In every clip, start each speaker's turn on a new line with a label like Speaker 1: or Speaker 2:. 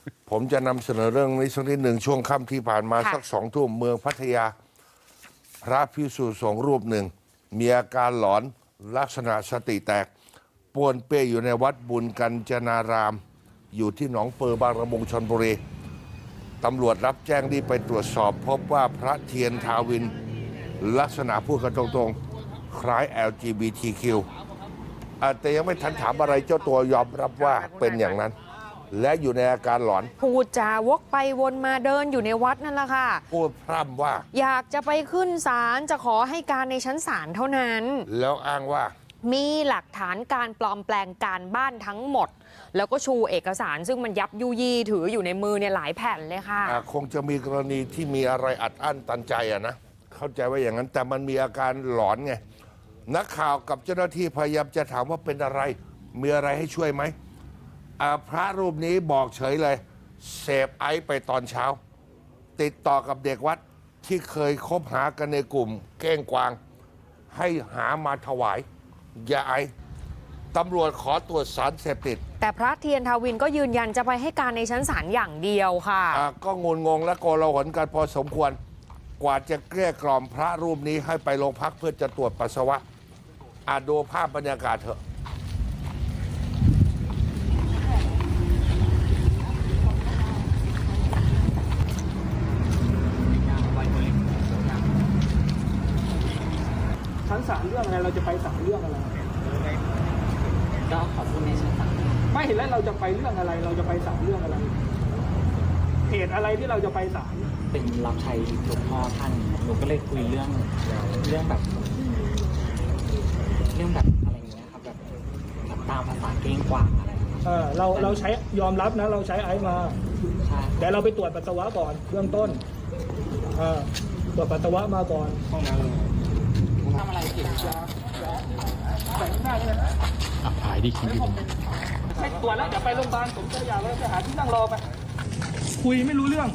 Speaker 1: ผมจะนำเสนอเรื่องนี้สักนิดหนึ่งช่วงค่ำที่ผ่านมา
Speaker 2: ค่ะ
Speaker 1: สัก2 ทุ่มเมืองพัทยา พระภิกษุสงฆ์รูปหนึ่ง มีอาการหลอนลักษณะสติแตกป้วนเปี้ยอยู่ในวัดบุญกัญจนาราม อยู่ที่หนองเปอบางละมุงชลบุรีตำรวจรับแจ้งรีบไปตรวจสอบ พบว่าพระเทียนทาวิน ลักษณะพูดกันตรงๆ คล้าย LGBTQ แต่ยังไม่ทันถามอะไรเจ้าตัวยอมรับว่าเป็นอย่างนั้น และอยู่ในอาการหลอน
Speaker 2: พูดจาวกไปวนมาเดินอยู่ในวัดนั่นแหละค่ะ
Speaker 1: พูดพร่ำว่า
Speaker 2: อยากจะไปขึ้นศาลจะขอให้การในชั้นศาลเท่านั้น
Speaker 1: แล้วอ้างว่า
Speaker 2: มีหลักฐานการปลอมแปลงการบ้านทั้งหมด แล้วก็ชูเอกสารซึ่งมันยับยุยี่ถืออยู่ในมือเนี่ยหลายแผ่นเลยค่ะ
Speaker 1: คงจะมีกรณีที่มีอะไรอัดอั้นตันใจนะเข้าใจว่าอย่างนั้น แต่มันมีอาการหลอนไงนักข่าวกับเจ้าหน้าที่พยายามจะถามว่าเป็นอะไรมีอะไรให้ช่วยไหมพระรูปนี้บอกเฉยเลยเสพไอซ์ไปตอนเช้า ติดต่อกับเด็กวัดที่เคยคบหากันในกลุ่มเก้งกวาง ให้หามาถวายยาไอซ์ตำรวจขอตรวจสารเสพติด
Speaker 2: แต่พระเทียนทาวินก็ยืนยันจะไปให้การในชั้นศาลอย่างเดียวค่ะ
Speaker 1: ก็งุนงงและโกลาหลกันพอสมควร กว่าจะเกลี้ยกล่อมพระรูปนี้ให้ไปโรงพักเพื่อจะตรวจปัสสาวะดูภาพบรรยากาศเถอะ
Speaker 3: ชั้นศาลเรื่องอะไรเราจะไปศาลเรื่องอะไร
Speaker 4: ก็ขอบคุณในชั้นศาล
Speaker 3: ไม่เห็นแล้วเราจะไปเรื่องอะไร เราจะไปศาลเรื่องอะไรเหตุอะไรที่เราจะไปศาล
Speaker 4: เป็นรับใช้หลวงพ่อท่านหนูก็เลยคุยเรื่องแบบอะไรอย่างเงี้ยครับแบบตามภาษาเก้งกวางอะไรอย่างเงี้ย
Speaker 3: เราใช้ยอมรับนะเราใช้ไอซ์มา
Speaker 4: ใช่
Speaker 3: แต่เราไปตรวจปัสสาวะก่อนเบื้องต้นตรวจปัสสาวะมาก่อน
Speaker 4: ห้องน้ำทำอะไรผิด
Speaker 3: แต่งหน้าเลย
Speaker 4: หายดีคิดดี
Speaker 3: ไม่ตรวจแล้วเดี๋ยวไปโรงพยาบาลผมจะอยากแล้วไปหาที่นั่งรอไปคุยไม่รู้เรื่อง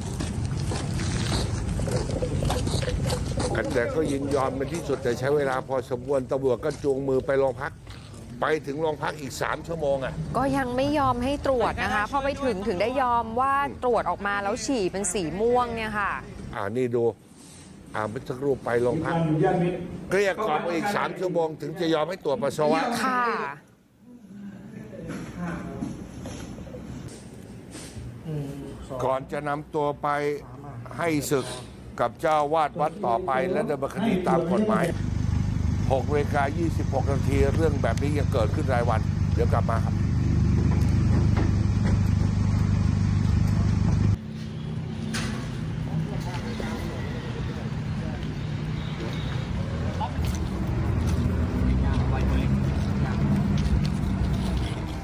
Speaker 1: แต่ก็ยินยอมเป็นที่สุดแต่ใช้เวลาพอสมควรตำรวจก็จูงมือไปโรงพัก ไปถึงโรงพักอีก3 ชั่วโมง
Speaker 2: ก็ยังไม่ยอมให้ตรวจนะคะพอไปถึงได้ยอมว่าตรวจออกมาแล้วฉี่เป็นสีม่วงเนี่ยค่ะ
Speaker 1: นี่ดูเมื่อสักครู่ไปโรงพักเกลี้ยกล่อมอีก3 ชั่วโมงถึงจะยอมให้ตรวจปัสสาวะ
Speaker 2: ค่ะ
Speaker 1: ก่อนจะนำตัวไปให้ศึกกับเจ้าวาดวัดต่อไปและดำเนินคดีตามกฎหมาย 6:26 นาทีเรื่องแบบนี้ยังเกิดขึ้นรายวัน เดี๋ยวกลับมาครับ